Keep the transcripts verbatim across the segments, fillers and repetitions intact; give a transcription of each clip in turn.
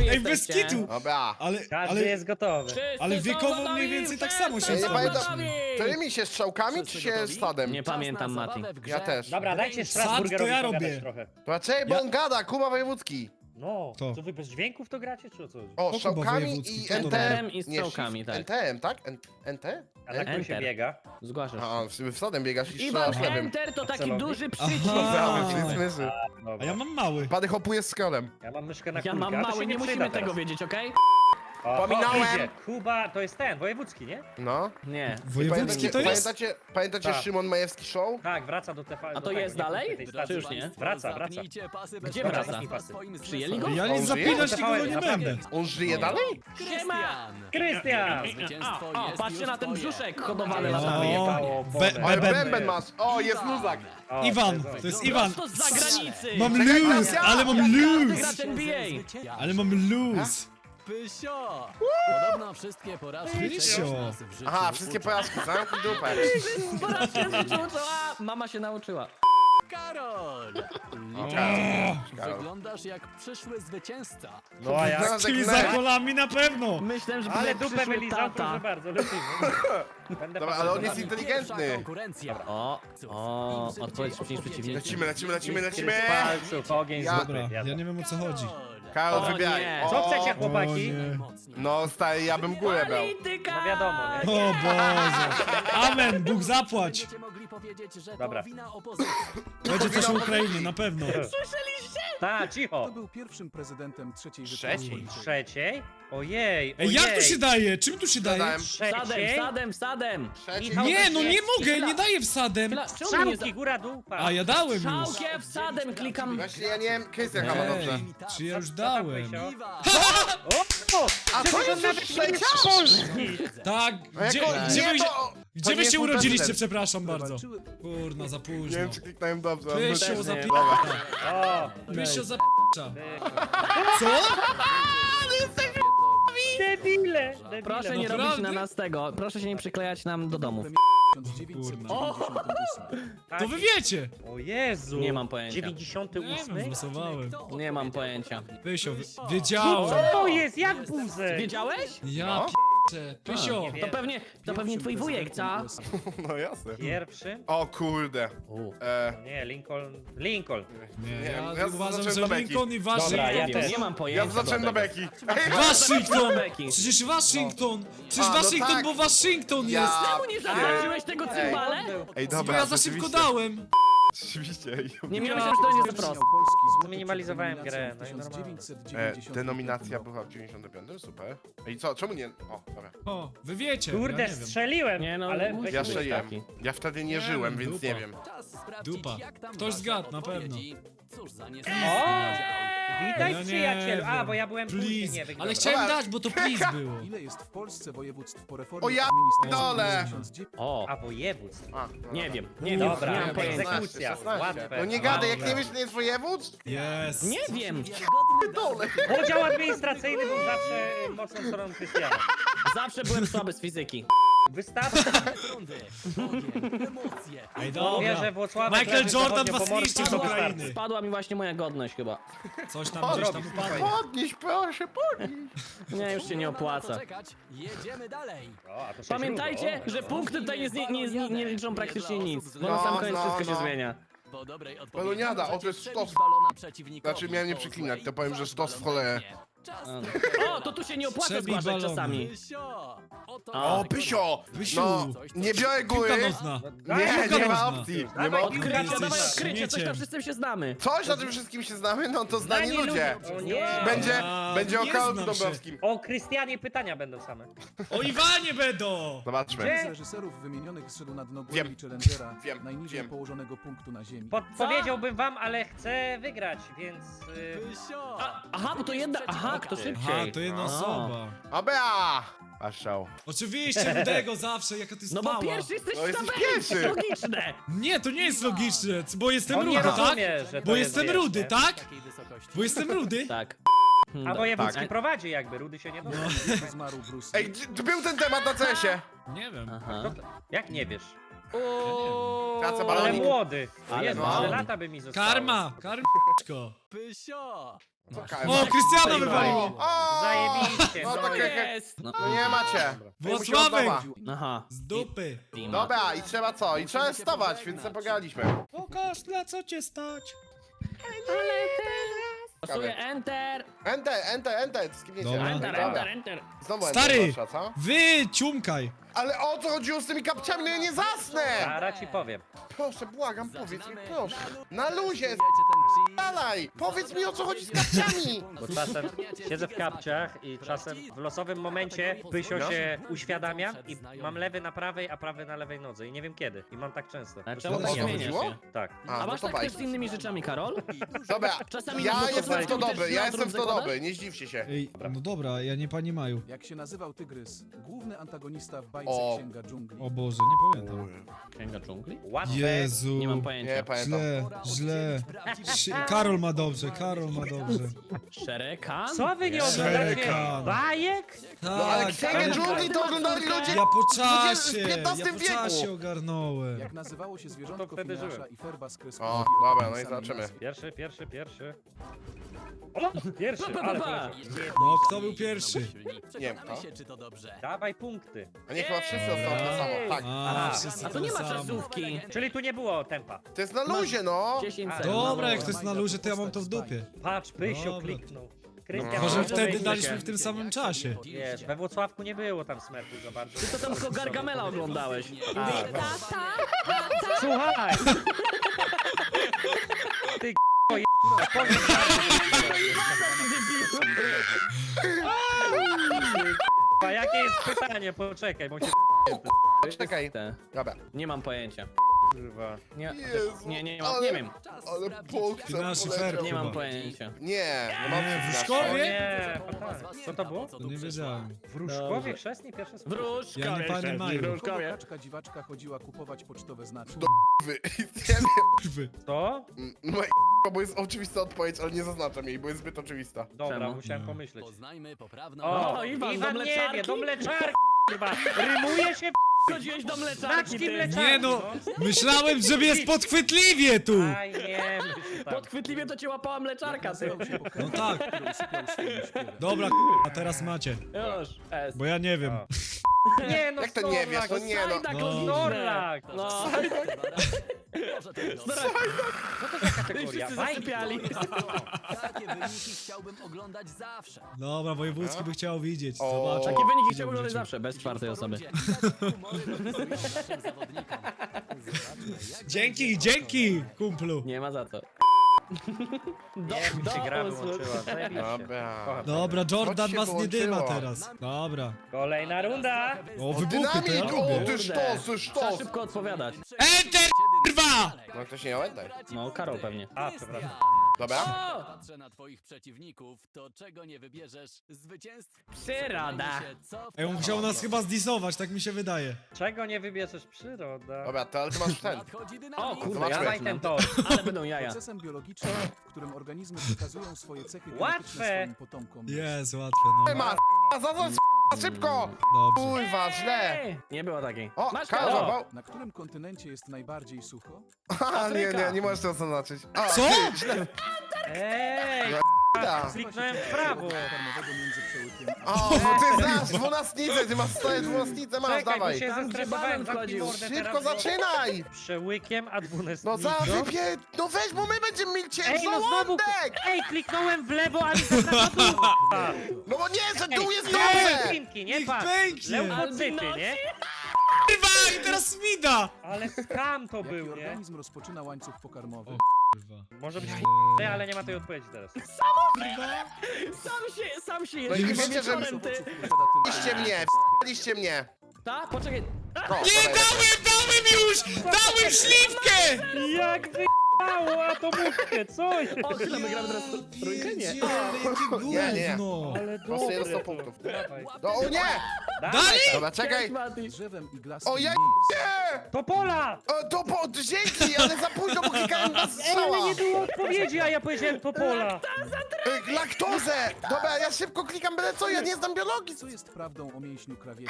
Ej, bez jesteście? kitu! Dobra. Ale, Każdy ale, jest gotowy. Wszyscy ale są wiekowo gotowi, mniej więcej tak samo się wszyscy Ja nie są pamiętam, gotowi. Którymi się strzałkami, czy się stadem? Nie pamiętam, Mati. Ja też. Dobra, dajcie Sad Strasburgerowi to ja pogadać robię. trochę. Raczej, bo Ja- on gada, Kuba Wojewódzki. No, To. co wy bez dźwięków to gracie, czy o co? O, Kuba strzałkami Wojewódzki, i kto to N T M. robi? I Nie, strzałkami, shift, tak. N T M, tak? N- NT? A jak tu się Enter. biega? Zgłaszasz. A, w sumie w stadem biegasz i Iwan, strzelasz lewym. Enter to taki Celownik? duży przycisk. Aha. Mamy, myszy. A Dobra. ja mam mały. Pady hopuje z skrolem. Ja mam myszkę na Ja kulkę, mam a to mały, się nie przyda musimy teraz. tego wiedzieć, okej? O, Pominąłem. O, idzie. Kuba, to jest ten, wojewódzki, nie? No. Nie. Wojewódzki to jest? Pamiętacie, pamiętacie Tak. Szymon Majewski Show? Tak, wraca do T V. A do to tego, jest nie, dalej? tej stacji. Czy już nie? Wraca, wraca. Gdzie Dobra, wraca? zamknij pasy. Przyjęli go? Ja On nic żyje? zapinać To nikogo nie naprawdę. będę. On żyje dalej? Siema! Krystian! O, o, patrzcie na ten brzuszek hodowany O, latami. Jebało be, wodę. Ale beben. bęben masz. O, jest luzak. O, Iwan, to jest to jest on. Iwan. To z zagranicy! Mam Czekaj, luz, Krystian! ale mam Każdy luz. gracz N B A! Ale mam luz. Pysio! Podobno wszystkie porażki Pysio. czegoś nas w życiu Aha, wszystkie uczą. porażki, zamknij dupę. Po raz pierwszy się uczyła, mama się nauczyła. Karol! Karol. Wyglądasz jak przyszły zwycięzca. No a jak? Wyglądasz Czyli jak za nerd. kolami na pewno. Myślę, że Ale będzie dupę przyszły wylizał, proszę tata. bardzo, lecimy. Będę Dobra, ale on jest pasował. Pierwsza inteligentny. konkurencja. O, o, odpowiedź szybciej niż przeciwnik. Lecimy, lecimy, lecimy, Iskry lecimy. z palców, ogień Ja- z dupy. Dobra, Jadę. ja nie wiem o co chodzi. Karol, O wybieraj. nie. O, Co chcecie, O chłopaki? nie. No, stary, ja bym górę brał. Polityka! No wiadomo, nie? O Boże. Amen, Bóg zapłać. Będziecie mogli powiedzieć, że Dobra. to wina opozycji. Będzie coś o Ukrainie, na pewno. Ta, cicho. Kto był pierwszym prezydentem trzeciej Trzeciej? Rzeczypospolitej? Trzeciej? Ojej, Ej, ojej. jak tu się daje? Czym tu się daje? Zadałem. Wsadem, Trzeciej? wsadem, wsadem! Trzeci. Michał Nie, no nie Gosiewski. mogę, nie daję wsadem. Chwila, czemu nie Strzałki, góra, dół, pa. A ja dałem już. Szałkiem, wsadem klikam. Właśnie ja nie wiem, Krystian chyba dobrze. Ej, czy ja już dałem? Pysio? Iwan! O, A to jest już trzecia? Polski. Tak, A gdzie, jako- gdzie, nie, wy, to- gdzie to wy nie się jest mój urodziliście, prezydent. przepraszam bardzo. Walczyły- Kurna, za Nie późno. wiem, czy kliknąłem dobrze. Pysio nie. za p***a. O, Pysio za p***a. Co? debile, debile. Proszę nie Naprawdę? robić na nas tego, proszę się nie przyklejać nam do domów. tysiąc dziewięćset dziewięćdziesiątym ósmym. To wy wiecie. O Jezu. Nie mam pojęcia. dziewięćdziesiąty Nie ósmy? wiem, głosowałem. Nie mam pojęcia. Pysio, wy- Co wiedziałem. to jest? Jak buzek? Wiedziałeś? Ja No. p***ę. Pysio. nie wiem. To pewnie, to pewnie twój wujek, co? No jasne. Pierwszy? O kurde. U. E, Nie, Lincoln. Lincoln. Nie, Nie, ja ja uważam, zacząłem że do beki. Lincoln i Dobra, ja Waszyngton. też. Nie mam ja pojęcia. zacząłem do dlatego. beki. Waszyngton! Beki. Przecież Waszyngton! Przecież A, no Waszyngton, tak. bo Waszyngton Ja- jest! Czemu nie zaznaczyłeś tego cymbale? Ej, Bo dobra, ja za szybko rzeczywiście. dałem! Rzeczywiście, ej. Nie miałem że to nie jest proste. Polski złoty Zminimalizowałem przed grę, nominacją no i w normalnie. tysiąc dziewięćset E, dziewięćdziesiątym denominacja roku. była w dziewięćdziesiątym piątym, super. Ej, co, czemu nie? O, dobra. O, wy wiecie, Kurde, ja nie wiem. strzeliłem, Nie, no, ale musi weź Ja być strzeliłem. taki. Ja wtedy nie Nie, żyłem, więc dupa. nie wiem. Czas sprawdzić, Dupa. jak tam Ktoś wasze zgadł, na odpowiedzi. Cóż za O! niesamowite. Witaj, Ja nie przyjacielu. A, wiem. bo ja byłem później, Please, nie wiem. ale dobra. chciałem Dobra. dać, bo to please było. Ile jest w Polsce województw po reformie O ja administracyjnej dole! w tysiąc dziewięćset O, A, województw. A, no nie dobra. wiem, nie wiem, Dobra, nie mam pojęcia. egzekucja, szesnaście. łatwe. No nie gadaj, jak Dobra. nie wiesz, że nie jest województw? Jest. Nie wiem, Wiarygodny Dole. Podział administracyjny był zawsze y, mocną stroną Krystiana. zawsze byłem słaby z fizyki. Wystarczy, rundy. Ogień, emocje. Ej, mówię, dobra. że Włocławek Michael leży Jordan zachodnio was pomorskim, zniszczył z to Ukrainy. wystarczy. Spadła mi właśnie moja godność chyba. Coś tam gdzieś tam upadło. Podnieś, proszę, podnieś. Nie, już się nie Trudno na to opłaca. czekać. Jedziemy dalej. O, a to się Pamiętajcie, źródło. że punkty tutaj nie, nie, nie, nie, nie liczą praktycznie nic, bo na No, sam koniec no, wszystko się no. zmienia. Po dobrej odpowiedzi Baloniada, o, to możecie jest przebić sztos. balona przeciwnikowi. Znaczy, miałem nie Po przeklinać, to złej powiem, że wasz sztos w balon cholerę. pęknie. Czas A. trochę. O, to tu się nie opłaca Przebij zgłaszać balony. czasami. Pysio! Oto O, nasze Pysio! Pysiu. No, nie biorę Piłka góry. nożna. Daj, Nie, piłka nie ma nożna. opcji. Nie Dawaj, ma opcji. piłka Odkrycie, Jesteś dawaj odkrycie, coś śmieciem. tam wszyscy się znamy. Coś na tym wszystkim się znamy, no to znani Znani ludzie. ludzie. O nie. Będzie, A, będzie o nie Karolu znam się. Dąbrowskim. O Krystianie pytania będą same. O Iwanie będą! Zobaczmy. Gdzie? Z reżyserów wymienionych zszedł na dno Wiem. głębi Challengera, Wiem, najniżej wiem. położonego punktu na ziemi. Podpowiedziałbym wam, ale chcę wygrać, więc... Y... Pysio! Aha, bo to jedna, aha, kto Aha, szybciej. to jedna A. osoba. Abea! Paszczał. Oczywiście, rudego zawsze, jaka to jest No bo mała. pierwszy jesteś No w jesteś tabeli, pierwszy. logiczne. Nie, to nie jest logiczne, bo jestem On nie rudy, tak? rozumie, że to Bo jest, jestem wiesz, rudy, nie? tak? Takiej wysokości. Bo jestem rudy. Tak. A wojewódzki Tak. prowadzi jakby, Rudy się nie dowie. No. Zmarł Bruce Ej, Lee. gdzie- tu był ten temat na cesie. Nie wiem. Aha. Jak nie wiesz? O, Tracę Ale balonik. młody. Ale Jezu, mało. tyle lata by mi zostało. Karma! Karmczko! Pysio! Co O, karma? Krystiana wywaliło! O! Zajebiście, No no tak jak... jest! No. No nie macie. Włocławek! Aha. Z dupy! Dobra, i trzeba co? I trzeba stawać, więc sobie pograliśmy. Pokaż, na co cię stać! Losuję enter! Enter, enter, enter, skipniecie. Dobra. Enter, Dobra. enter, enter! Znowu Stary! enter wasza, co? Wy, ciumkaj! Ale o co chodziło z tymi kapciami? No ja nie zasnę! Zaraz ci powiem. Proszę, błagam, powiedz mi, Zaczynamy proszę. na Na luzie, Wiecie ten cheat? dalej! Powiedz mi, o co chodzi z kapciami! Bo czasem siedzę w kapciach i czasem w losowym momencie Pysio No. się uświadamia i mam lewy na prawej, a prawy na lewej nodze i nie wiem kiedy. I mam tak często. A To czemu o tak to zmieniasz chodziło? się? Tak. A, A no masz to tak baj. też z innymi rzeczami, Karol? Dobra, Czasami ja na jestem w to pokoju dobry, też ja na jestem w to drudze dobry, nie zdziwcie się. Ej, no dobra, ja nie pani Maju. Jak się nazywał tygrys? Główny antagonista w bajce O. Księga Dżungli. O Boże, nie pamiętam. Księga dżungli? Łatwe. Jezu. Nie mam pojęcia. Nie, pamiętam. Źle, źle. Szy- Karol ma dobrze, Karol ma dobrze. Szerekan? Co wy nie Szerekan. oglądacie? Bajek? No ale Tak, księgę ale- dżungli to oglądali ludzie Ja po w czasie, ja piętnastym po wieku. czasie ogarnąłem. Jak nazywało się zwierzątko To wtedy Finasza żyłem. i Ferba z kreskówki O, o dobra, tej no i samej zobaczymy. nazwie? Pierwszy, pierwszy, pierwszy. O, pierwszy, Pa, pa, ale pa. poleciał. No, kto był pierwszy? Nie wiem, Przekonamy kto? się, czy to dobrze. Dawaj punkty. A nie, chyba wszyscy dostaną to samo, tak. A, Aha. wszyscy A to to nie ma samo. czasówki. Czyli tu nie było tempa. To jest na luzie, no! dziesięć A, sekund. Dobra, jak to jest na luzie, to ja mam to w dupie. Patrz, Pysio Dobra. kliknął. Krystian, No. Może No, wtedy domyśl daliśmy się. w tym samym czasie. Wiesz, we Włocławku nie było tam smerfu za bardzo. Ty to tam tylko Gargamela oglądałeś. A, słuchaj! Ty k***o, je... powiem A jakie jest pytanie? Poczekaj, bo się Czekaj. Te. Dobra. Nie mam pojęcia. kurwa. Nie, Jezu, nie, nie, nie, mam, ale- nie wiem. Ale Bóg Ty nasz szyfer. Nie mam Chyba. pojęcia. Nie, no mam Nie, coś w na szkole? O Wie? nie, fatalnie. Co to było? To nie wiedziałem. Wróżkowie chrzestni pierwsze słowo. Wróżka, Ja nie panie Maju. Kogo kaczka dziwaczka chodziła kupować pocztowe znaczki? Wy. Nie wiem. Wy. Co? No i bo jest oczywista odpowiedź, ale nie zaznaczam jej, bo jest zbyt oczywista. Dobra, Czemu? musiałem Nie. pomyśleć. Poznajmy poprawną... O, O, Iwan, Iwan, do nie mleczarki? wie, do mleczarki chyba. Rymuje się Chodziłeś do mleczarki, znaczki ty. mleczarki. Nie no, myślałem, że jest podchwytliwie tu. Aj, nie, myślę tam. Podchwytliwie to cię łapała mleczarka, ty. Nazywał się No pokrewny, tak. który usypiał swoim śpiewem. Dobra, a teraz macie. Już, S. Bo ja nie wiem. O. Nie no, Jak to nie wiesz? Snorlax, No nie no. Sajdak No. logiczne. Snorlax. No. Może tego. Co to za I kategoria? wszyscy Bajki. zasypiali. Takie wyniki chciałbym oglądać zawsze. Dobra, wojewódzki by chciał widzieć. O. Zobacz. Takie wyniki Widział chciałbym w oglądać życiu. zawsze, bez czwartej osoby. Dzięki, dzięki, kumplu. Nie ma za co. Do, Nie, mi się gra usług. wyłączyła. Zajebiście. Dobra. Kocham. Dobra, Jordan Co ci was się nie dyma wyłączyło? teraz. Dobra. Kolejna runda. O, wybuchy, to ja Dynamit! O, lubię. ty sztos, ty Trzeba sztos! szybko odpowiadać. Enter, kurwa! No ktoś nie miał enter. No, Karol pewnie. A, przepraszam. Dobra. O! Patrzę na twoich przeciwników, to czego nie wybierzesz? Zwycięstw? Przyroda. Ej, on chciał nas chyba zdisować, tak mi się wydaje. Czego nie wybierzesz? Przyroda. Dobra, to ale ty masz ten. O kurde, Zobaczmy. ja Dawaj ten tor. Ale będą jaja. Procesem biologicznym, w którym organizmy przekazują swoje cechy Łatwe. genetyczne swoim potomkom. Jest, łatwe, no. Ma, zaraz szybko! Dobrze. Kurwa, źle! Ej, nie było takiej. O, Masz Karol, Karol. złapał. Na którym kontynencie jest najbardziej sucho? A, nie, nie, nie możesz tego zaznaczyć. A, Co? ty, źle. Ej, Da. kliknąłem w prawo. Karmowego między przełykiem a... O, bo ty znasz dwunastnicę, ty masz stałe dwunastnicę, masz, Czekaj, bo dawaj. się Tam, gdzie zestresowałem. banan Zamknij wchodził. mordę Szybko teraz, bo- zaczynaj! Przełykiem, a dwunastnicą. No za wypie... No weź, bo my będziemy mieli cię Ej, no znowu... żołądek! Ej, kliknąłem w lewo, a mi zaznacza dół. No bo nie, że dół jest Ej, dobrze! Klinki, nie Niech patrz. pęknie. Leukocyty, nie? Kurwa, i teraz mi da! Ale skam to Jaki był, nie? organizm rozpoczyna łańcuch pokarmowy? O. Kurwa. Może być Eee. f***y, ale nie ma tej odpowiedzi teraz. Sam się, sam się No i jeszcze wiecie, że- wieczorem, ty. Liście mnie, liście mnie. Ta? Poczekaj. O, Nie, dawaj. dałem, dałem już! Dałem śliwkę! Jak wyjechało atomówkę, co jest? O, chwilę, my gramy teraz w trójkę? Nie. Jedzie, ale jakie Nie, nie. gówno! Ale Po prostu dobre jest sto to. punktów. Dawaj. No, o nie! Dawaj! Dobra, czekaj. Cześć, Mati. Drzewem i glaskiem O, ja nie jest. nie! Topola! O, to po... Dzięki, ale za późno, bo klikałem na Ej, strzała. ale nie było odpowiedzi, a ja powiedziałem topola. Y, Laktozę! Dobra, ja szybko klikam byle co, ja nie znam biologii. Co jest prawdą o mięśniu krawieckim?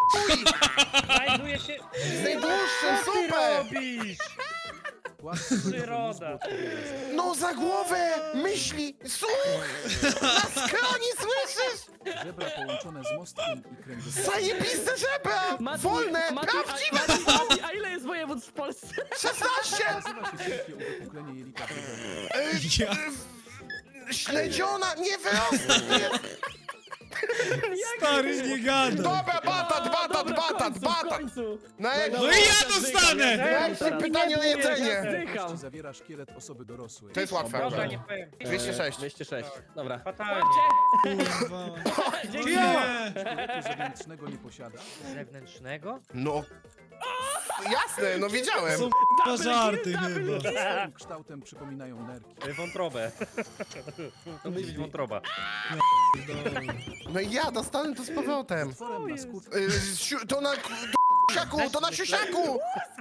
Znajduje się... Z najdłuższym, Co ty super! robisz? Władcy mózgu Przyroda. odpowiada za- No za głowę! Myśli! Słuch! Na skroni, słyszysz? Żebra połączone z mostkiem i kręgosłupem. Zajebiste żebra! Mati, Wolne! Mati, Prawdziwe! A, Mati, Mati, a ile jest województw w Polsce? szesnaście! Nazywa się wielkie uwypuklenie jelita brzuchowego. Y, Ja, Śledziona! Nie wyrosła! stary, nie gadaj. Dobra, batat, O, batat, dobra, w batat, końcu, w batat! końcu. No jak... No i ja dostanę! Najlepsze pytanie o jedzenie! Zdycham. Całości zawiera szkielet osoby dorosłej. To jest łatwe. Dobra, nie powiem. dwieście sześć. dwieście sześć. Dobra. Fatalnie. Kurwa. Dzięki. Nie! Szkieletu zewnętrznego nie posiada. Zewnętrznego? No... Jasne, no wiedziałem. Są k***a żarty chyba. Swoim kształtem przypominają nerki. Y, Wątrobę. To musi być wątroba. No i ja dostanę to z powrotem. Otworem na skórce Y, siu- To na... Siusiaku, to na siusiaku!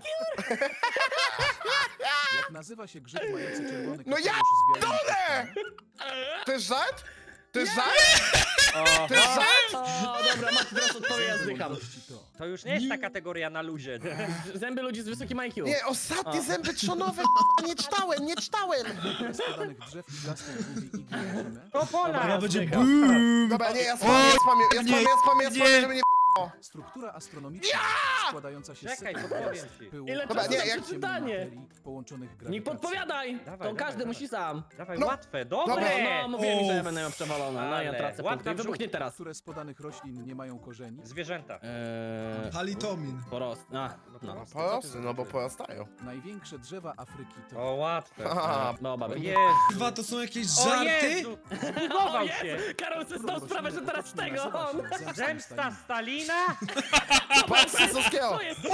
jak nazywa się grzyb mający czerwony No ja kapelusz z białym dole! płatkiem? To jest żart? To jest żart? To jest żart? O, dobra, Mati, teraz odpowie, ja zdycham. Mądrości to. To już nie jest ta kategoria na luzie. Zęby ludzi z wysokim I Q. Nie, ostatnie zęby trzonowe, nie czytałem, nie czytałem! Z podanych drzew i blasków lubi igły na zimę. To pola! Ja będzie zdycham. boom. Dobra, nie, ja spamię, ja spamię, ja spamię, ja spamię, ja spamię, żeby nie... Struktura astronomiczna składająca się z Czekaj, setek podpowiem gwiazd, ci. pyłu, Ile Dobra, czasu nie, na jak- przeczytanie? materii połączonych Nie grawitacją. podpowiadaj! Dawaj, To dawaj, każdy dawaj. musi sam. Dawaj, No. łatwe, Dobra, dobre! No, mówiłem mi, że ja Uff. będę miał przewalone. No ja Ale tracę łatwy punkty. brzuch. Wybuchnie teraz. Które z podanych roślin nie mają korzeni. Zwierzęta. Eee, Halitomin. porost. A, no. proste, co Po ty prostu, no bo zrobiłeś? porastają. Największe drzewa Afryki to... O, łatwe. Aha. No, O baby. Jezu. Kurwa, to są jakieś O żarty? Jezu! Zbugował się! Karol sobie zdał sprawę, że teraz tego on. Zemsta Stalina? Patrz, Sosowskiego! To jest...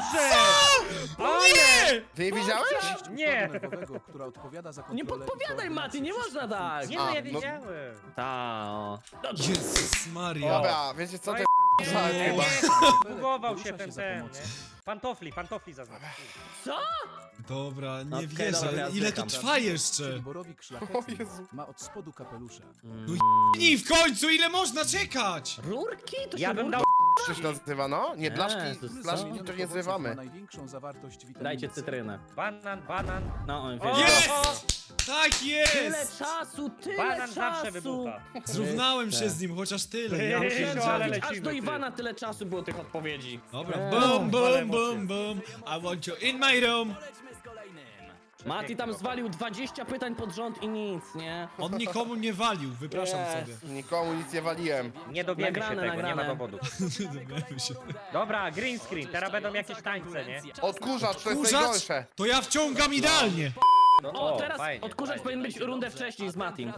Ale! Ty nie widziałeś? Nie. nerwowego, która odpowiada za Nie kontrolę i podpowiadaj, Mati, nie koordynację można tak. Nie no, A, ja no- wiedziałem. Ta, o. Jezus Maria. Dobra, wiecie co, to No jest żart Nie, chyba. zbugował Porusza się ten, za ten, pomocą. nie? Pantofli, pantofli zaznacz. Co? Dobra, nie Okej, wierzę. dobra, ja Ile to zdycham. trwa jeszcze? Borowik O szlachetny Jezu. ma od spodu kapelusza. I w końcu, ile można czekać? Rurki? To Ja się bym rurki- dał... To się nazywa, no? Nie, blaszki, to jest blaszki co? to nie Ma zrywamy. największą zawartość witaminy Dajcie C. cytrynę. Banan, banan. No, on O, wie. Jest! o, Tak Tyle jest! czasu, tyle Banan czasu! zawsze wybucha. Zrównałem się z nim, chociaż tyle. Ja Ty, Musiałem no, ale pierdzielę. zrobić, aż lecimy, do ty. Iwana tyle czasu było tych odpowiedzi. Dobra, Eee. boom, Ale boom, emocje. boom, boom. I want you in my room. Polećmy z kolejnym. Mati tam zwalił dwadzieścia pytań pod rząd i nic, nie? On nikomu nie walił, wypraszam Yes. sobie. Nikomu nic nie waliłem. Nie dowiemy się Nagrane, tego, nie ma nagrane. dowodów. Dowiemy się. Dobra, green screen, teraz będą jakieś tańce, nie? Odkurzacz, to jest Kurzacz? najgorsze. To ja wciągam idealnie. No, O, teraz fajnie, odkurzacz fajnie. powinien być rundę wcześniej z Matim.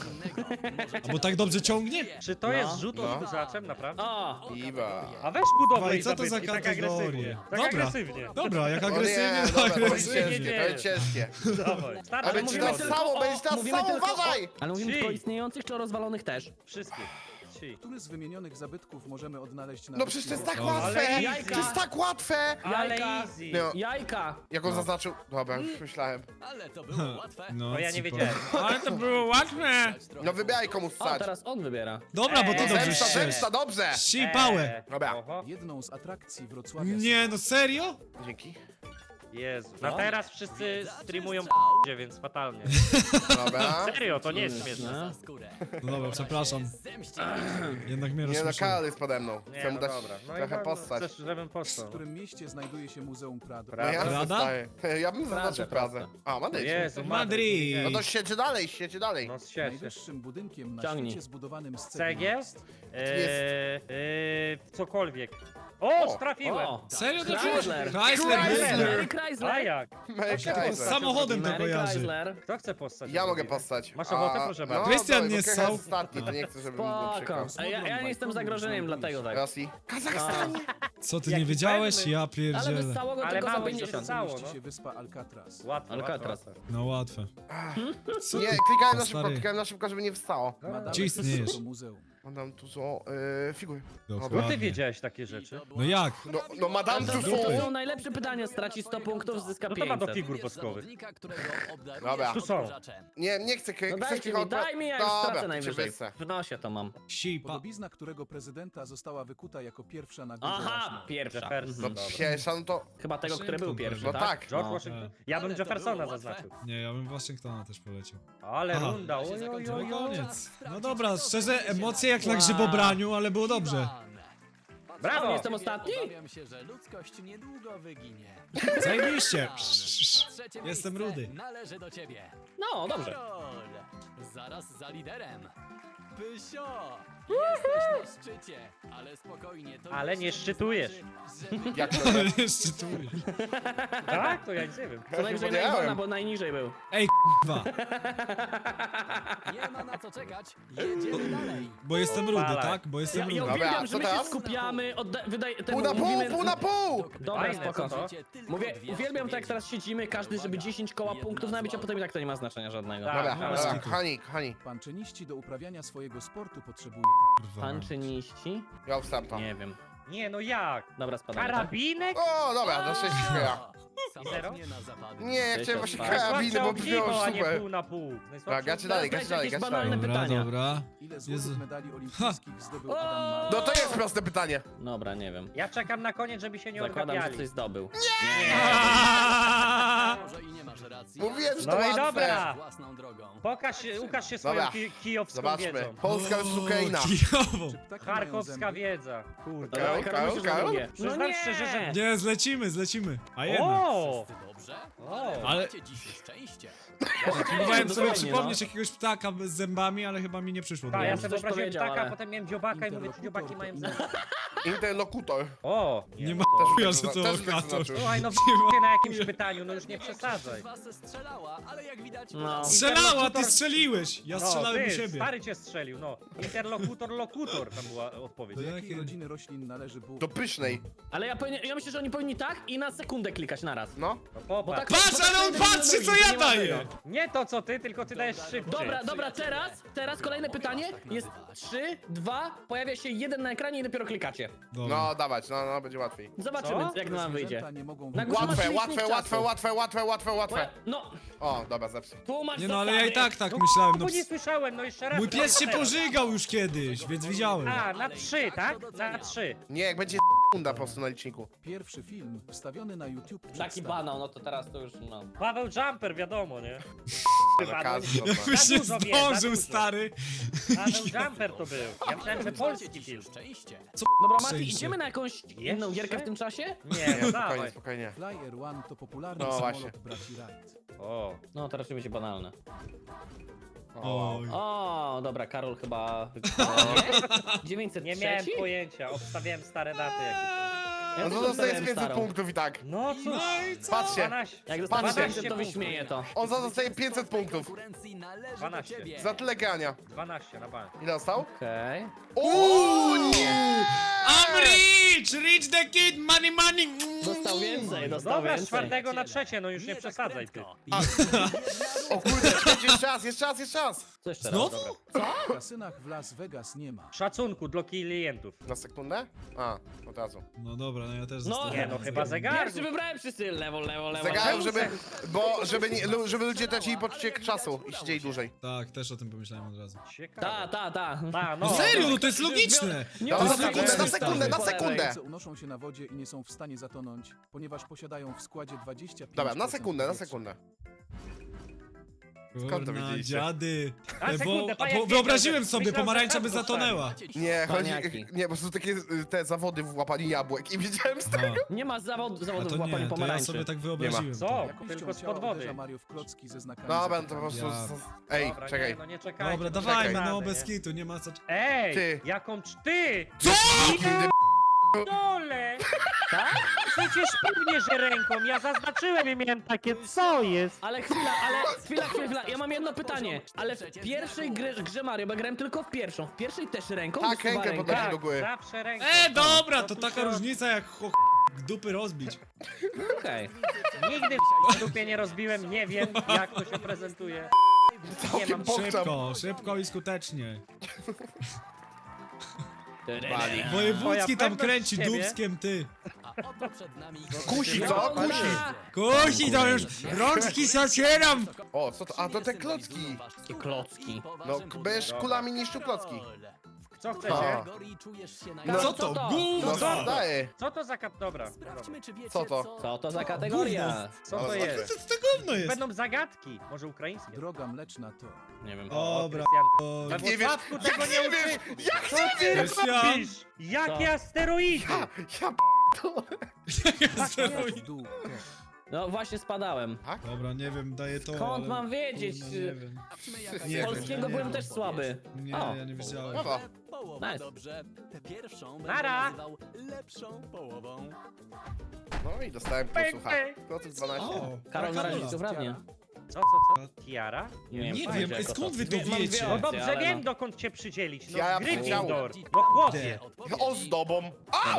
A bo tak dobrze ciągnie? Czy to No. jest rzut No. odkurzaczem, naprawdę? O! Iba. A weź budowlę Dawaj, i co to za zabytki, tak kategorie? agresywnie. Tak Dobra. agresywnie. Dobra, jak O agresywnie, nie, to dobra, to będzie agresywnie. ciężkie, to będzie ciężkie. Dawaj. Starczy, Ale mówimy ci mówimy nas tylko stało, o- będziesz nas mówimy stało, tylko o- uważaj! Ale mówimy Trzy. tylko o istniejących czy o rozwalonych też? Wszystkich. Ci. Który z wymienionych zabytków możemy odnaleźć na No przecież to jest tak wyspie O, łatwe! ale jajka. To jest tak łatwe! Ale Jajka. easy. No, Jajka! jak on zaznaczył... Dobra, już myślałem. Ale to było łatwe. No, No ja nie super. wiedziałem. Ale to było łatwe. No wybieraj komu O, stać. teraz on wybiera. Dobra, bo ty Eee. dobrze Zemsta, strzesz. zemsta, dobrze! Sipałę. Eee, Dobra. oho. Jedną z atrakcji Wrocławia Nie, no serio? Dzięki. Jezu. Na teraz wszyscy streamują p***cie, więc fatalnie. Dobra. Serio, to nie jest śmieszne. No. Za skórę. No dobra, przepraszam. Zemści. Jednak mnie Nie no, rozśmieszyło. Karol jest pode mną. Nie, Chcę mu no dać dobra. No i trochę no, postać. Chcesz, żebym W postał. którym mieście znajduje się Muzeum Prado. No ja Prada? zostaję. Ja bym zaznaczył Prazę. A, Madryt. Jezu, Madryt. No to siedź dalej, siedź dalej. No się. Najwyższym budynkiem na Ciągnij. świecie zbudowanym z Cegieł? jest Eee, eee, cokolwiek. O, O, trafiłem! O! Serio to Chrysler. Chrysler, Mary Chrysler. A Chrysler! jak? Mary Z Kaiser. samochodem to Mary kojarzy. Chrysler. Kto chce postać? Ja mogę postać. Masz ochotę? A, Proszę no, bardzo. Krystian dobra, nie bo Krycha ssał. jest ostatni, to nie chcę, żeby mi było przykro. Spoko. A ja, ja nie jestem zagrożeniem, dlatego tak. Rosji. Kazachstanie. Co ty Jaki nie wiedziałeś? pewny. Ja Ale pierdzielę. wystało go Ale tylko za mało się pięćdziesiąt. stało. mieści no. się wyspa Alcatraz. Łatwo, Alcatraz. łatwo, łatwo. No łatwe. Co Nie, ty? klikałem na O, szybko, stary. klikałem na szybko, żeby nie wstało. Ma dalej Gdzie istniejesz? to muzeum. Madame Tuzo, yy, figury. No ty Dokładnie. wiedziałeś takie rzeczy. No jak? No, no Madame To, Tuzo! to są najlepsze pytania, straci sto punktów, zyska No to ma do pięćset. figur Wybierz woskowych. zawodnika, którego obdarujesz Dobra. Tu są. odkurzaczem. Nie, nie chcę, No chcesz dajcie tylko mi, daj mi, ja już Dobra, stracę to najwyżej. cię wyssę. W nosie to mam. Sipa. Podobizna którego prezydenta została wykuta jako pierwsza na górze Aha, Rushmore. pierwsza. Jefferson. Mhm. No Dobra. pierwsza, no to... Chyba tego, który był pierwszy, No tak? tak. George No. Washington. Ja bym Ale to Jeffersona było łatwe. zaznaczył. Nie, ja bym Waszyngtona też poleciał. Ale Aha. runda, oj, oj, No oj, i oj. koniec. No dobra, szczerze, emocje jak na Wow. grzybobraniu, ale było dobrze. Iwan. Brawo! O, jestem ostatni? Obawiam się, że ludzkość niedługo wyginie. Zajebiście. Iwan. Trzecie Jestem miejsce rudy. należy do ciebie. No, dobrze. Karol, zaraz za liderem. Pysio, jesteś na szczycie, ale spokojnie. To Ale jeszcze nie szczytujesz. znaczy, że Jak to Ale nie? jeszcze tu. Tak? To ja nic nie wiem. Co najwyżej na podjechałem. Iwana, bo najniżej był. Ej, k***wa. nie ma na co czekać. Jedziemy dalej. Bo jestem rudy, Odpalaj. tak? Bo Ja, jestem ja rudy. Dobra, uwielbiam, co że my się teraz? skupiamy, odda- wydaje... Pół temu na pół, mówimy- pół na pół! Dobra, Fajne, spoko. co to? Mówię, uwielbiam to jak teraz siedzimy, każdy, żeby dziesięć koła punktów nabić, a potem i tak to nie ma znaczenia żadnego. Tak. Dobra, no, dobra, bez kochani, kochani. Panczyniści do uprawiania swojego sportu potrzebują Kurwa. Panczyniści? Ja wstępam. Nie wiem. Nie, no jak? Dobra, spadamy, tak? Karabinek? O, dobra, do sześć chwila. Samotnie na zapadnie. Nie, ja Cześć, chciałem właśnie odpalę. karabiny, bo Najsłabsze brzmiało ogniwo, a nie super. pół na pół. Dobra, Najsłabsze gacie dalej, Teraz gacie dalej, jakieś gacie banalne dalej. Dobra, pytania. dobra. Ile złotych Jezu. medali olimpijskich zdobył Adam Małysz. No to jest proste pytanie. Dobra, nie wiem. Ja czekam na koniec, żeby się nie Zakładam, że odgapiali. coś zdobył. Może i nie masz racji. Mówiłem, że to No i łatwe. dobra. Własną drogą. Pokaż się, ukaż się swoją Dobra, ki kijowską Zobaczmy. wiedzą. Polska versus Ukraina. Kijową. Czy ptaki mają Charkowska zęby? wiedza. Kurde. Dobra, Karol, Karol, musisz na Karol? drugie. No Przyznam nie! szczerze, że- Nie, zlecimy, zlecimy. A jednak. O! Wszyscy dobrze? O! Ale- Macie dzisiaj szczęście. Próbowałem sobie Dokładnie, przypomnieć jakiegoś ptaka z zębami, ale chyba mi nie przyszło. do Tak, ja głowy. sobie coś wyobraziłem powiedział, ptaka, ale- a potem miałem dziobaka i mówię, czy Interlokutor dziobaki to mają inny- zęby. Interlokutor. O! Nie no ma to- chuja, Też że bym to to zaznaczył. okator. Słuchaj, no Nie ma- w na jakimś pytaniu, no już nie przesadzaj. Z was strzelała, ale jak widać... No. Strzelała, ty strzeliłeś! Ja No, strzelałem u ty, siebie. stary cię strzelił, no. Interlokutor, lokutor, tam była odpowiedź. To Do ja- jakiej Jakie- rodziny roślin należy bułka? Do pysznej. Ale ja, powinien, ja myślę, że oni powinni tak i na sekundę klikać naraz. No. No Bo popatrz. tak, Patrz, bo tak ale on to jeden patrzy, do co drugiego, ja nie ma daję! tego. Nie to co ty, tylko ty dajesz szybciej. Dobra, dobra, teraz, teraz kolejne pytanie. Jest trzy, dwa, pojawia się jeden na ekranie i dopiero klikacie. Dobra. No, dawać, no, no, będzie łatwiej. Zobaczymy, Co? jak nam wyjdzie. Zwierzęta nie mogą Na wybrać- górze masz Łatwe, licznik łatwe, czasu. łatwe, łatwe, łatwe, łatwe, łatwe. Poja- No, O, dobra, zepsuł. tu masz Nie no, ale ja zasady. i tak tak No, myślałem. No, bo nie ps- słyszałem, no jeszcze raz. mój pies się teraz. pożygał już kiedyś, więc widziałem. A, na trzy, tak? Na trzy. Nie, jak będzie sekunda po prostu na liczniku. Pierwszy film wstawiony na YouTube Taki przedstawia- banał, no to teraz to już, no. Paweł Jumper, wiadomo, nie? Za każdy, dobra. Jakbyś nie dużo wie, za zdążył, dużo. stary. Paweł Jumper to był. Ja myślałem, że polski Macie film. dzisiaj szczęście. Dobra, Mati, Szczęście. idziemy na jakąś inną gierkę w tym czasie? Nie, Nie, no spokojnie, dawaj. spokojnie. Flyer One to popularny No samolot właśnie. braci Wright. O. No, to raczej będzie banalne. O, Oj. O, dobra, Karol chyba... dziewięćset Nie trzy? miałem pojęcia, obstawiałem stare daty jakieś. Ja no też to dostaje obstawiałem pięćset starą. punktów i tak. No cóż, Patrzcie, dwanaście. Jak dostanę Patrzcie. pięćset, to wyśmieję to. on za dostaje pięćset punktów. Konkurencji należy dwanaście. do ciebie. Za tyle grania. dwanaście na bank. Ile dostał? Okej. Uuu, nie! I'm rich! Rich the kid! Money, money! Dostał więcej, dostał Dobra, z więcej. czwartego na trzecie, no już nie tak przesadzaj ty. prędko. O kurde, czekajcie, jeszcze raz, jeszcze raz, jeszcze raz. Co jeszcze raz? Znowu? W kasynach w Las Vegas nie ma. Szacunku dla klientów. Na sekundę? A, od razu. No dobra, no ja też No, zostałem. Nie no, chyba zegarek. Pierwszy wybrałem wszyscy, lewo, lewo, lewo. Zegarów, lewo. żeby, bo, żeby, nie, lu- żeby ludzie tracili poczucie czasu i siedzieli dłużej. Tak, też o tym pomyślałem od razu. Ciekawe. Ta, ta, ta. Ta, No no. serio, no to jest logiczne! Nie Dobra, ma na sekundę, sekundy, na sekundę, na po lewej. sekundę. Ręce unoszą się na wodzie i nie są w stanie zatonąć, ponieważ posiadają w składzie dwadzieścia pięć Dobra, na procent sekundę, na powietrza. sekundę. Skąd to Kurna, wiedzieliście? dziady. A, E, sekundę, bo, a, panie, bo wyobraziłem myślałem, sobie, że pomarańcza by sam dostałem. zatonęła. Macie dzisiaj Nie, chodzi, Paniaki. nie, bo są takie y, te zawody w łapaniu jabłek i widziałem z A, tego. Nie ma zawod, a zawodów to w łapaniu nie, to ja pomarańczy. sobie tak wyobraziłem. Co? to. Jakością Tylko spod ciała wody. uderza Mariusz Klocki ze znakami Dobra, no to po zapytania. prostu... Ja- Ej, Dobra, czekaj. Nie, no nie czekajcie. Dobra, no dawajmy, czekamy, no nie? bez kitu, nie ma co... Ej, Ty. jaką cz- ty! Co? Kiedy Dole! Tak? Przecież pewnie, że ręką. Ja zaznaczyłem i miałem takie, co jest? Ale chwila, ale chwila, chwila, chwila. Ja mam jedno pytanie. Ale w pierwszej grze, grze Mario, bo ja grałem tylko w pierwszą. W pierwszej też ręką? Tak, wysuwa rękę rękę. podać. Tak, do góry. zawsze ręką. E, dobra, Co to tu taka się- różnica jak cho... dupy rozbić. Okej. Nigdy w dupie nie rozbiłem, nie wiem jak to się prezentuje. Nie mam Całkiem pokczam. Szybko, szybko i skutecznie. Bali. Wojewódzki tam pewność kręci w ciebie. dubskiem, ty. A oto przed nami... Kusi, co? Kusi. Kusi, to już rączki zacieram! O, co to? A, to te klocki. Takie klocki. No, k- będziesz kulami niszczył klocki. Co A. chcecie? Czujesz się No, na... Co to? No, Gówno! daję. Co to za kat... Dobra. Sprawdźmy, czy wiecie, Co to? Co to za kategoria? Co to Ale jest? Co to gówno jest? Będą zagadki. Może ukraińskie? Droga mleczna to. Nie wiem. Dobra. Krystian. o, We Nie wiesz, Włocławku tego jak nie nie wiesz, uczy... jak Co nie ty wiesz? robisz? Jakie Co? asteroidy? Ja, ja W dół to. No właśnie spadałem. Dobra, nie wiem, daję to, Skąd ale... mam wiedzieć? Kurna, nie wiem. Sprawdźmy, jaka Nie jest wiem, Polskiego nie byłem wiem. też słaby. Nie, O. ja nie wiedziałem. Brawo. Połowa Nice. dobrze. Tę pierwszą Nara. będę nazywał lepszą połową. No i dostałem Pęk, plusów. pęk. Kloców dwanaście. O, Karol na razie Karola. to prawnie. Co, co, co? Tiara? Nie wiem, wiem, jako skąd to. wy to Dwie- mam wiecie? dwie No opcje, dobrze, ale wiem no. dokąd cię przydzielić. No Ja Gryffindor. powiedziałem. No chłopie. Gdzie? Odpowiedzi... Ozdobą. A,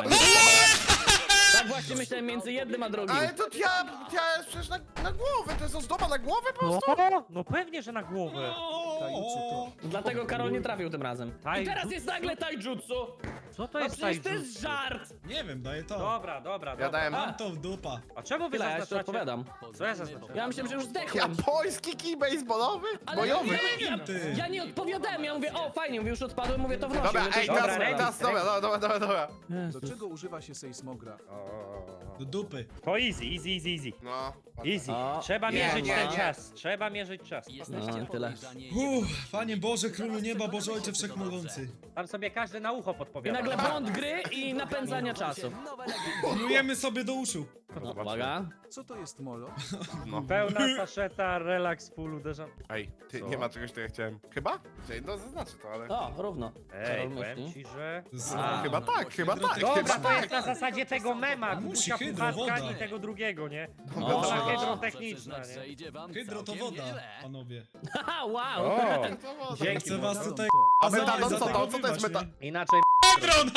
Tak właśnie myślałem między jednym a drugim. ale to ja, ja jest przecież na, na głowę, to jest ozdoba na głowę po prostu. No, no pewnie, że na głowę. Tajemnicy to. Dlatego Karol nie trafił tym razem. I Taijutsu? teraz jest nagle taijutsu! Co to No jest przecież to taijutsu? jest żart! Nie wiem, daję to. Dobra, dobra, Ja dobra. dałem Mam to w dupa. A czemu wy Tyle, ja jeszcze zaznaczacie? odpowiadam. Co ja zaznaczyłem? Ja myślałem, że już zdechłem. japoński kij baseballowy? Ale Bojowy. ja, wiem, ja, ty. ja nie odpowiadałem, ja mówię, o fajnie, mówię, już odpadłem, mówię, to wnoszę. Dobra, mówię, to ej, już teraz, odpowiadam. teraz, dobra, dobra, dobra, dobra, dobra. Do czego używa się sejsmogra? Do dupy. To easy, easy, easy, easy. No. Easy. O, Trzeba nie, mierzyć nie, ten nie. czas. Trzeba mierzyć czas. Jesteście No, tyle. podejrzani. Uff, Panie Boże, Królu Nieba, Boże Ojcze Wszechmogący. Tam sobie każdy na ucho I podpowiada. nagle błąd gry i napędzania czasu. Nowe legendy. Plujemy sobie do uszu. No, uwaga. Co to jest molo? Pełna saszeta, relaks, full uderzam. Ej, ty, Co? nie ma czegoś, co ja chciałem. Chyba? Czyli, no zaznaczę to, ale... O, równo. Ej, Karol powiem myśli. ci, że... Z... A. Chyba tak, chyba tak, Hydro- chyba Dobra, to tak. jest na zasadzie tego mema, Musi Kubusia hydro, Puchatka woda. i tego drugiego, nie? O. Dobra, Muszę hydrotechniczna, przyznać, że nie? idzie wam Hydro to całkiem woda, nieźle. panowie. Haha, wow! O, Dzięki. dzięki. Chcę was Metaron tutaj... to. A metadon za co tego to? Co to jest wybasz, meta... Inaczej... Metron!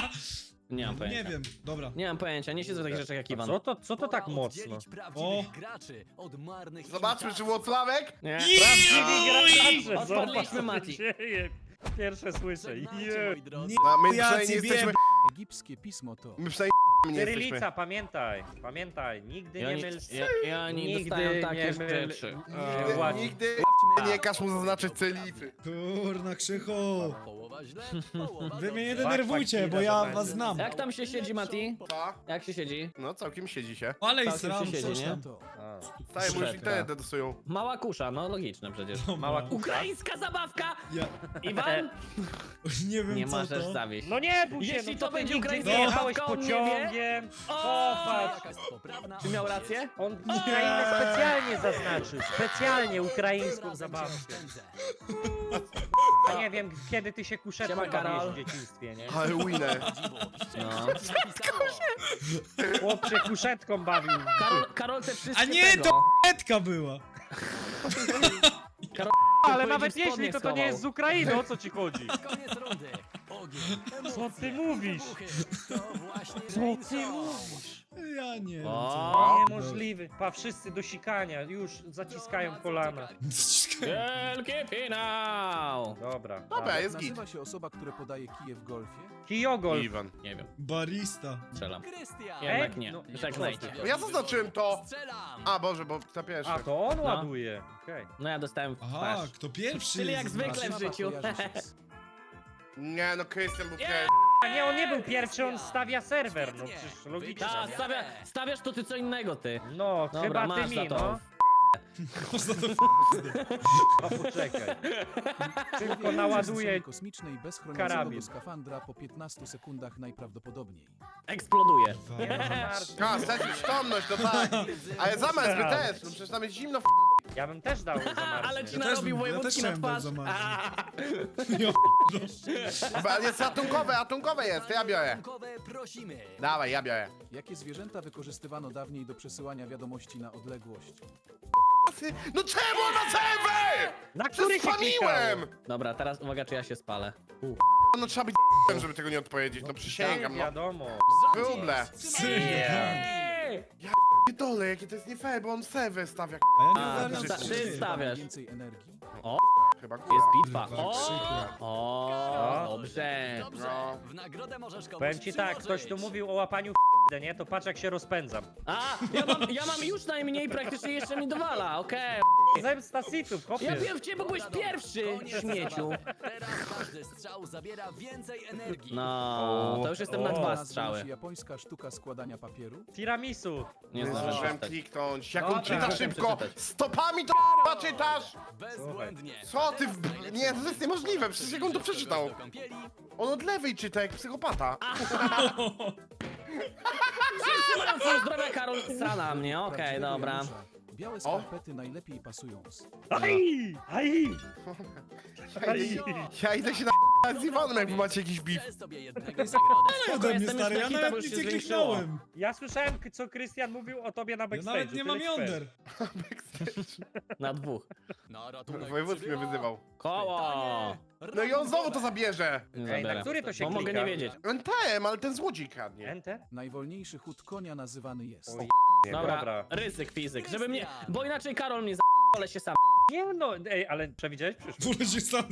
Nie mam pojęcia. Nie wiem, dobra. Nie mam pojęcia, nie siedzę w takich rzeczach jak Iwan. Co to, co to tak Pora mocno? oddzielić O. prawdziwych graczy od marnych Zobaczmy, czy imitacji. Włocławek... Nie. Prawdziwi gracze, Odpadliśmy, zobacz, Mati. co się dzieje. Pierwsze słyszę. Żegnajcie, Je. moi drodzy. Nie, A my ja przynajmniej ci jesteśmy... Egipskie pismo to. My przynajmniej nie jesteśmy. Cyrylica, pamiętaj, pamiętaj, nigdy Ja nie nie, myl... ja, ja nie Nigdy dostałem takie nie myl- rzeczy. Nigdy, Właśnie. nigdy nie każ mu zaznaczyć cylicy. Kurna, Krzychu. Połowa źle, połowa Wy mnie nie dobrze. denerwujcie, bo ja was znam. Jak tam się siedzi, Mati? Co? Jak się siedzi? No całkiem siedzi się. Ale i Całkiem sram, się siedzi, coś nie? tam. To. Staje mu już Szefka. internet dedusują. Mała kusza, no logiczne przecież. Mała kusza. Ukraińska zabawka! Ja Iwan? nie wiem Nie co możesz to. zawieść. No nie bój się, Jeśli no to to ty będzie nigdy ukraińska nie jechałeś zabawka, on nie wie? pociągiem. O! Popatrz. Jaka jest poprawna Czy miał rację? On Ukrainę specjalnie zaznaczył, specjalnie ukraińską Razem zabawkę. się oszczędzę. Ja nie wiem, kiedy ty się kuszetką Siema, Karol. bawiłeś w dzieciństwie, nie? Ale winner. No. Chłop się kuszetką bawił. Karol, Karol te wszystkie A nie, tego. to Etka była. Karol, Ale powiedzieć, nawet spodnie jeśli, to to nie schował. jest z Ukrainy, o co ci chodzi? Koniec rundy. Ogień, emocje, Co ty mówisz? wybuchy. To właśnie Co Rain ty Song. mówisz? Ja nie wiem O. co. Niemożliwy. Pa, wszyscy do sikania, już zaciskają kolana. Wielki finał! Dobra. Dobra, jest git. Nazywa się osoba, która podaje kije w golfie. Kijogol. Iwan. Nie wiem, Barista. strzelam. Krystian. Jednak Ej, nie, no, żegnajcie. Ja zaznaczyłem to. Strzelam. A Boże, bo to pierwsze. A, to on No. ładuje. Okej. No ja dostałem w Aha, twarz. kto pierwszy? Czyli jak zwykle w Warszawa życiu. kojarzy się z- Nie no, Krystian był Nie. pierwszy. A nie, on nie był pierwszy, on stawia serwer, no przecież logicznie. Ta, stawia, stawiasz to ty co innego, ty. No, Dobra, chyba masz ty za mi, to. no. Można to... A poczekaj. Tylko Człowiek naładuje. z misji kosmicznej bez chronionego karabin. skafandra po piętnastu sekundach najprawdopodobniej. Eksploduje. A, stracić przytomność, to tak. Ale zamiast wy też, no przecież tam jest zimno w Ja bym też dał A, ale zamarznie. ci Ja też narobił bym- ja wojewódzki też na chciałem twarz. dać za A, Ja Chyba jest ratunkowe, ratunkowe jest, to ja biorę. Ratunkowe prosimy. Dawaj, ja biorę. Jakie zwierzęta wykorzystywano dawniej do przesyłania wiadomości na odległość? No czemu na serwer? Na który się Spamiłem! klikało? Dobra, teraz uwaga, czy ja się spalę. No trzeba być żeby tego nie odpowiedzieć, no przysięgam, no. Wiadomo. Wróble. Ej! Dole, jakie to jest nie fair, bo on serwer stawia. A ja A, nie sta- ogarniam, co ty się dzieje. stawiasz. Więcej energii? Chyba Jest góra. bitwa. Kurwa, O, krzyku. o, dobrze. Dobrze, No. w nagrodę możesz komuś Powiem ci tak, ktoś tu przyłożyć. mówił o łapaniu f***y, nie? To patrz jak się rozpędzam. A, ja mam, ja mam już najmniej, praktycznie jeszcze mi dowala, okej. Zemsta sitów, chłopie. Ja wiem w ciebie, bo byłeś pierwszy, Koniec śmieciu. zabawy. Teraz każdy strzał zabiera więcej energii. No, to już jestem na O. dwa Nazwą strzały. się japońska sztuka składania papieru. Tiramisu. Nie Nie zdążyłem zdążyłem przeczytać. kliknąć. Jak Dobra, on czyta muszę szybko! przeczytać. Stopami to k***a czytasz! Bezbłędnie. Co ty w... Nie, to jest niemożliwe, przecież jak on to przeczytał. Do kąpieli. On od lewej czyta, jak psychopata. Wszyscy mają full zdrowia, Karol srana mnie, okej, Prawdziwego dobra. Janusza. Białe skarpety najlepiej pasują z... Aj! Aj! Aj! Ja idę się na z Iwanem, jak wy macie jakiś beef. Przez sobie jednego z nagrody. Nie ode mnie, jestem stary, już ja na hita, bo nawet już nic się nie zwiększyło. kliknąłem. Ja słyszałem, k- co Krystian mówił o tobie na Ja backstage'u. nawet nie mam tyle ci powiem. jąder. Na dwóch. Na ratunek Wojewódzki mnie przybywa wyzywał. Koło! No i on znowu to zabierze. Nie Ej, zabiorę. na który to się Bo mogę klika? nie wiedzieć. N T M, ale ten złodziej kradnie. Enter? Najwolniejszy chód konia nazywany jest. Oj. Dobra, Dobra. ryzyk fizyk, żeby mnie... Bo inaczej Karol mnie ale się sam. Nie no, ej, ale przewidziałeś przyszłość. Wolę się sam.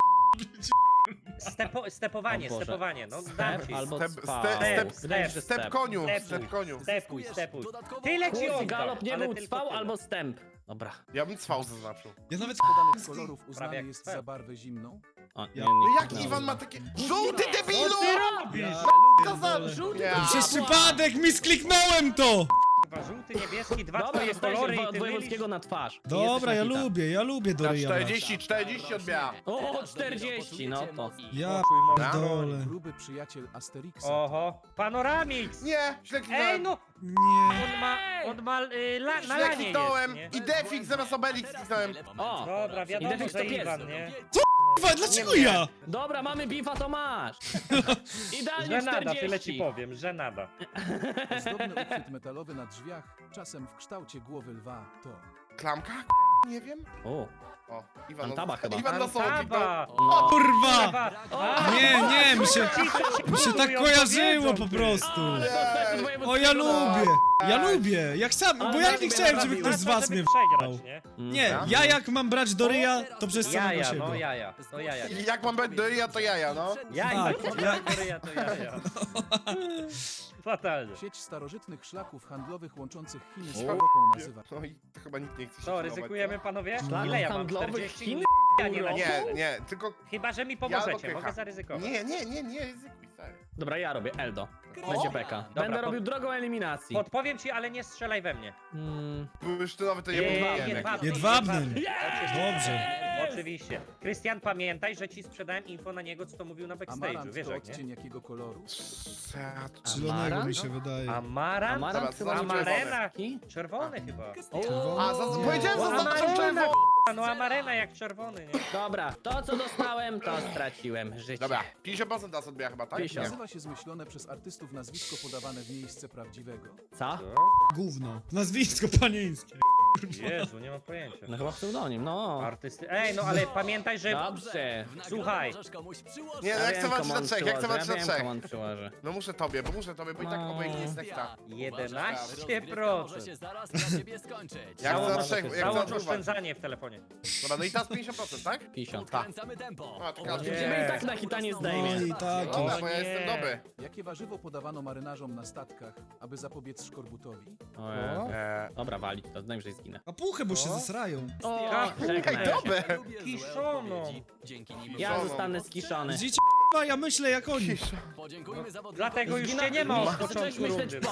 Stepo, stepowanie, O Boże. stepowanie, no dam ci. Albo Step, spał. step, step, Wydaje mi się, że Step koniu, Step. step koniu. Stepuj, stepuj. Dodatkowo Tyle ci Kurs oddam, galop nie ale był tylko cwał tyle. albo stęp. Dobra. Ja bym cwał zaznaczył. Ja nawet Podanych kolorów Prawie uznany jak jest twoja. za barwę zimną. O, nie, Ja- nie, No nie jak kliknąłem. Iwan ma takie... Żółty debilu! Co ty robisz? Ja To za... Żółty Nie. to Przez przypadek mi skliknąłem to! Kurwa, żółty, niebieski, dwa Dobra, twoje dostajesz kolory się i od ty wojewódzkiego mylisz. na twarz. I Dobra, jesteś ja na hita. lubię, ja lubię do Na ryja brać. czterdzieści, czterdzieści odbiera. O, czterdzieści, no to. Ja Poczuj moc. pierdolę. Gruby przyjaciel Asterixa. Oho, Panoramix! Nie, źle Ej kliknąłem. no, Nie. on ma, on ma y, la, na Źle lanie kliknąłem. jest, nie? I Defix zamiast Obelix kliknąłem. O, Dobra, wiadomo, Idefix to że pies. Iwan, nie? Kurwa, dlaczego ja? dobra, mamy bifa, to masz. Idealnie Że nada, tyle ci czterdzieści. powiem, że nada. Ozdobny uchwyt metalowy na drzwiach, czasem w kształcie głowy lwa, to... Klamka? Nie wiem. O, O, Iwan, Antaba chyba. Iwan na solo kliknął. Antaba! no. Kurwa! Antaba! O, Nie, nie, mi się, mi się tak Mówią, kojarzyło powiedzą, po ty. prostu. ale dostałeś od wojewódzkiego O, ja na- lubię, ja lubię, jak sam, Ale bo ja tak nie mnie chciałem, żeby naprawił. ktoś z was żeby mnie przegrać, w***ał. nie? Nie, ja jak mam brać do ryja, to przez samego Jaja, siebie. no jaja, no jaja. I Jak mam być do ja to jaja, no. Jaja, Tak, to ja- ja, to jaja. Fatalnie. Sieć starożytnych szlaków handlowych łączących Chiny z O. Europą nazywa... No i to chyba nikt nie chce się Co, filmować, ryzykujemy panowie? Szlak Ile ja mam? handlowych czterdzieści? Chin? Ja nie na no. Nie, nie, tylko... Chyba, że mi Ja albo pomożecie, Krycha. mogę zaryzykować. Nie, nie, nie, nie, ryzykuj, stary. Dobra, ja robię Eldo. O. Będzie beka. Dobra, Będę pod- robił drogą eliminacji. Podpowiem ci, ale nie strzelaj we mnie. Mm. Bursztynowy to nie Nie, mówiłem. jedwabny, Jedwabnym. jedwabny. Dobrze. Oczywiście. Krystian, pamiętaj, że ci sprzedałem info na niego, co to mówił na backstage'u, Amarant wiesz to jak, nie? odcień jakiego koloru? Zielonego mi Amarant? się wydaje. Amarant? Amarant Dobra, chyba to nie Amarena. czerwony. Czerwony chyba. O, A, za, powiedziałem, O, zaznaczam Amarena, czerwono. k***a, no Amarena jak czerwony, nie? dobra, to co dostałem, to straciłem życie. Dobra, pięćdziesiąt procent nas odbiera chyba, tak? pięćdziesiąt. Nazywa się zmyślone przez artystów nazwisko podawane w miejsce prawdziwego. Co? Gówno. Nazwisko panieńskie. Jezu, nie mam pojęcia. No chyba pseudonim, no. Artysty... Ej, no ale pamiętaj, że... Dobrze. W nagrodę Słuchaj. możesz komuś przyłożyć. Nie, no Ja jak wiem, chcę walczyć komu na on trzech, jak chcę przyłoży, walczyć na ja wiem, trzech. komu on przyłoży. No muszę tobie, bo muszę tobie, bo i tak No. obojętnie jest nekta. jedenaście Rozgrywka może się procent. zaraz dla ciebie skończyć. Jak Załóż- chcę na trzech, jak chcę Załóż odruwać. oszczędzanie w telefonie. Dobra, no i teraz pięćdziesiąt procent, tak? pięćdziesiąt. Odkręcamy tempo. A, to Obok każdy. ciebie Nie. I tak na hita nie No zdejmie. i tak Dobra, jest. bo ja nie. jestem dobry. Jakie warzywo podawano marynarzom na statkach, aby zapobiec szkorbutowi? O Jezu. Eee, Dobra, walić to, najwyżej zginę. A puchę, bo się zesrają. O, Ej, czekaj. dobre. Ja lubię złe Kiszono. odpowiedzi. Dzięki nim Ja Żoną. zostanę skiszony. Widzicie, k***a, ja myślę jak oni. Podziękujmy zawodnikom. Dlatego już Zginę- cię nie ma od Zacząłeś początku myśleć rundy. po.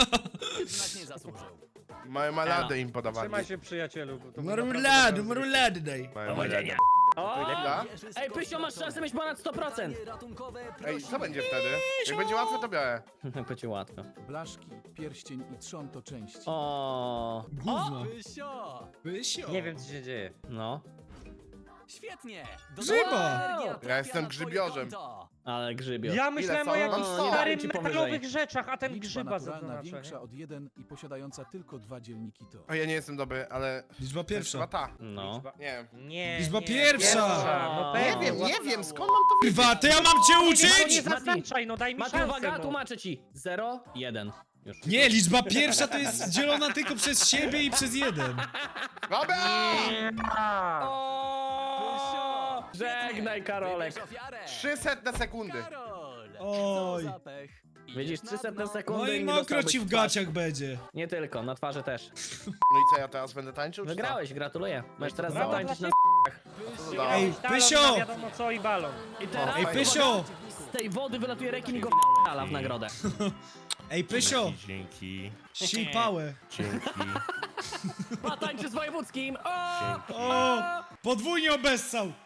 Znak nie zasłużył. Mają maladę im podawali. Trzymaj się przyjacielu. Bo to Marulady, marulady daj. Mają maladę. O! Dobra. Ej, Pysio, masz szansę mieć ponad sto procent. Ratunkowe, Ej, co będzie wtedy? Jak będzie łatwe, to biorę. Będzie łatwo. Blaszki, pierścień i trzon to części. O, Gówno. Pysio! Pysio. Nie wiem co się dzieje. no, Świetnie! Grzyba. Energia Ja trafia jestem na twoje grzybiorzem. konto. ale grzybio. Ja myślałem są? o Mam jakichś sto. starym Ci metalowych powyżej. rzeczach, a ten Liczba grzyba naturalna zaznacza. większa od jeden i posiadająca tylko dwa dzielniki to. O, ja nie jestem dobry, ale... Liczba To jest chyba pierwsza. ta. No. Liczba- Nie wiem. Nie, Liczba nie, pierwsza. No Nie Nie pewnie. wiem, nie wiem, skąd mam to wiedzieć? Kurwa, to ja mam cię Nie, no nie uczyć! zaznaczaj, no daj mi Mati, szansę. uwaga, no. tłumaczę ci. Zero, jeden. Już. Nie, liczba pierwsza to jest dzielona tylko przez siebie i przez jeden. Dobra! A. O! Żegnaj, Karolek. Wybierz ofiarę. trzysta sekundy. Karol! Oj. Co za pech. Idziesz Widzisz, na trzysta dno. sekundy No i nie mokro dostałbyś ci w twarz. gaciach będzie. Nie tylko, na twarzy też. No i co, ja teraz będę tańczył? czy co? Wygrałeś, gratuluję. Możesz teraz brawo. zatańczyć na Pysio. Ej, Talon Pysio! na wiadomo co i balon. I teraz Ej, Pysio! z tej wody wylatuje rekin i go f***ala w nagrodę. Ej, Pysio! Dzięki, Sij pałę. dzięki. Pa, tańczy z wojewódzkim! O! O! Podwójnie obessał!